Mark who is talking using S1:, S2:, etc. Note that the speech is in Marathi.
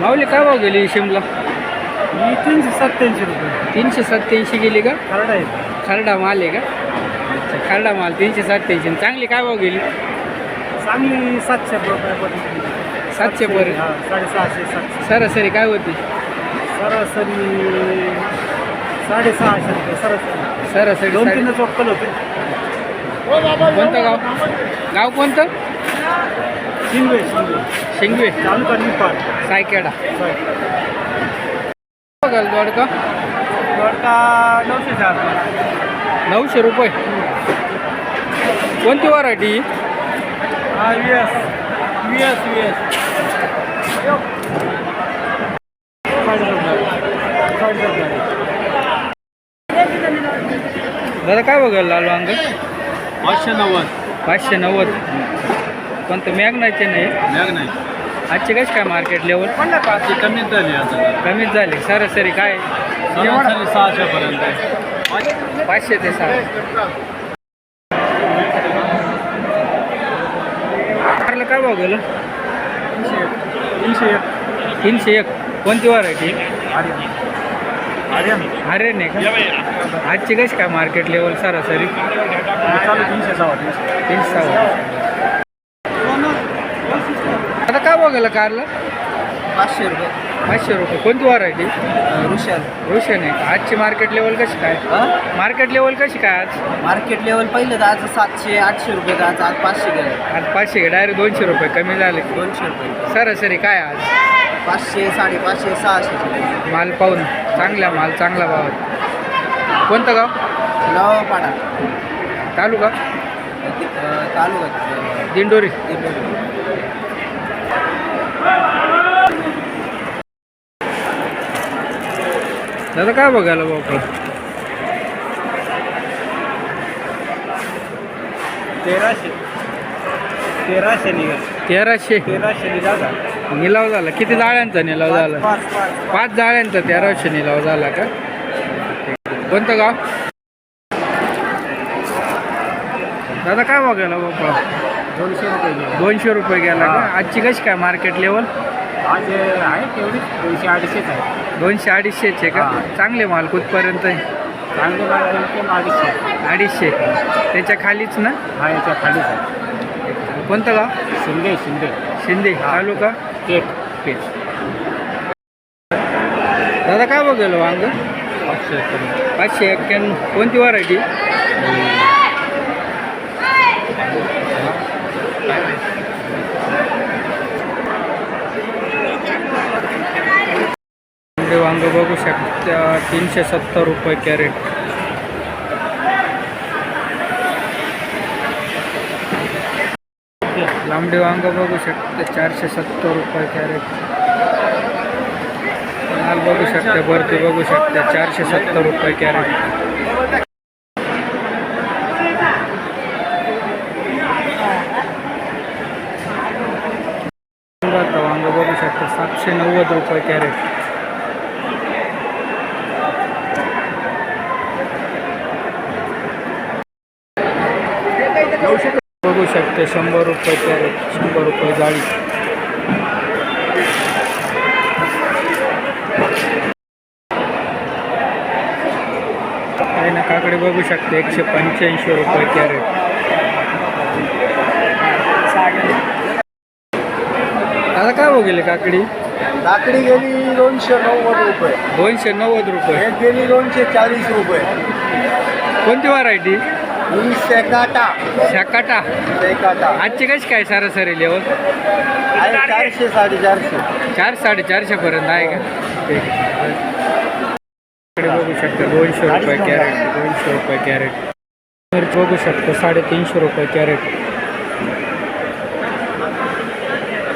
S1: माऊली काय भाव गेली शिमला?
S2: ही 387 रुपये.
S1: 387 गेली का?
S2: खरडा आहे.
S1: खरडा माल आहे का? अच्छा, खरडा माल 387. चांगली काय भाव गेली?
S2: चांगली 700 रुपयापर्यंत.
S1: 700 पर्यंत.
S2: 650 700.
S1: सरासरी काय होती?
S2: सरासरी 650 रुपये सरासरी.
S1: सरासरी
S2: 2-3 चोक्कल होते.
S1: कोणतं गाव? गाव कोणतं?
S2: शिंगवे.
S1: शिंगवे.
S2: तालुका निपाड.
S1: सायकेडा.
S2: होय.
S1: बघाल दोडका
S2: दोडका 904.
S1: 900 रुपये. कोणती व्हरायटी?
S2: हा VS.
S1: दादा काय बघाल लाल वांग?
S2: 590.
S1: 590. कोणतं मॅग्नाचे नाही?
S2: नाही.
S1: आजची कशी काय मार्केट लेवल?
S2: कमीच झाली आता.
S1: कमीच झाली. सरासरी काय?
S2: सरासरी 600 पर्यंत.
S1: 500 ते 600. कारला काय भाव गेलं? 301. कोणती व्हरायटी? अरे नाही का? आजची कशी काय मार्केट लेवल सरासरी?
S2: चालू 300.
S1: आता काय भाव गेलं कारला?
S2: 500 रुपये.
S1: 500 रुपये. कोणती व्हरायटी?
S2: रुशन
S1: आहे का? आजची मार्केट लेवल कशी काय? मार्केट लेवल कशी काय आज?
S2: मार्केट लेवल पहिलं तर आज 700-800 रुपये. आज 500 गेलं.
S1: आज 500 डायरेक्ट 200 रुपये कमी झाले.
S2: 200 रुपये.
S1: सरासरी काय आज?
S2: 500, 550, 600.
S1: माल पाहून चांगला भावात. कोणतं गाव?
S2: नवापाडा.
S1: तालुका?
S2: तालुका
S1: दिंडोरी. दादा काय बघायला भाऊ?
S2: 1300 निघाल.
S1: 1300
S2: निघाला.
S1: निलाव झाला. किती जाळ्यांचा निलाव झाला? 5 जाळ्यांचा 1300 निलाव झाला का? कोणतं गाव? दादा काय बघायला बाबा?
S2: 200 रुपये.
S1: 200 रुपये गेला का? आजची कशी काय मार्केट लेवल?
S2: आज आहे तेवढी 200-250 आहे.
S1: 200-250 का? चांगले माल कुठपर्यंत आहे?
S2: चांगले माल 250.
S1: त्याच्या खालीच ना?
S2: हा, याच्या खालीच आहे.
S1: कोणतं गाव? शिंदे. तालुका? पेठ. दादा काय बघायला वांग? 591. कोणती व्हरायटी? वांग बघू शकता 370 रुपये कॅरेट. लांबडे वांग बघू शकता 470 रुपये कॅरेट. माल बघू शकता, भरती बघू शकता 470 रुपये कॅरेट. वांग बघू शकता 790 रुपये कॅरेट. बघू शकते 100 रुपये कॅरेट. 100 रुपये जाळी. काही ना काकडे बघू शकते 185 रुपये कॅरेट. आता काय बघेल काकडी?
S2: काकडी गेली 290 रुपये.
S1: 290 रुपये.
S2: एक गेली 240 रुपये.
S1: कोणती व्हरायटी?
S2: सेकाटा.
S1: आजची कशी काय सरासरी लेवल?
S2: 400 450.
S1: 400-450 पर्यंत आहे का? ठीक आहे. बघू शकता 200 रुपये कॅरेट. 200 रुपये कॅरेट. मिरची बघू शकता 350 रुपये कॅरेट.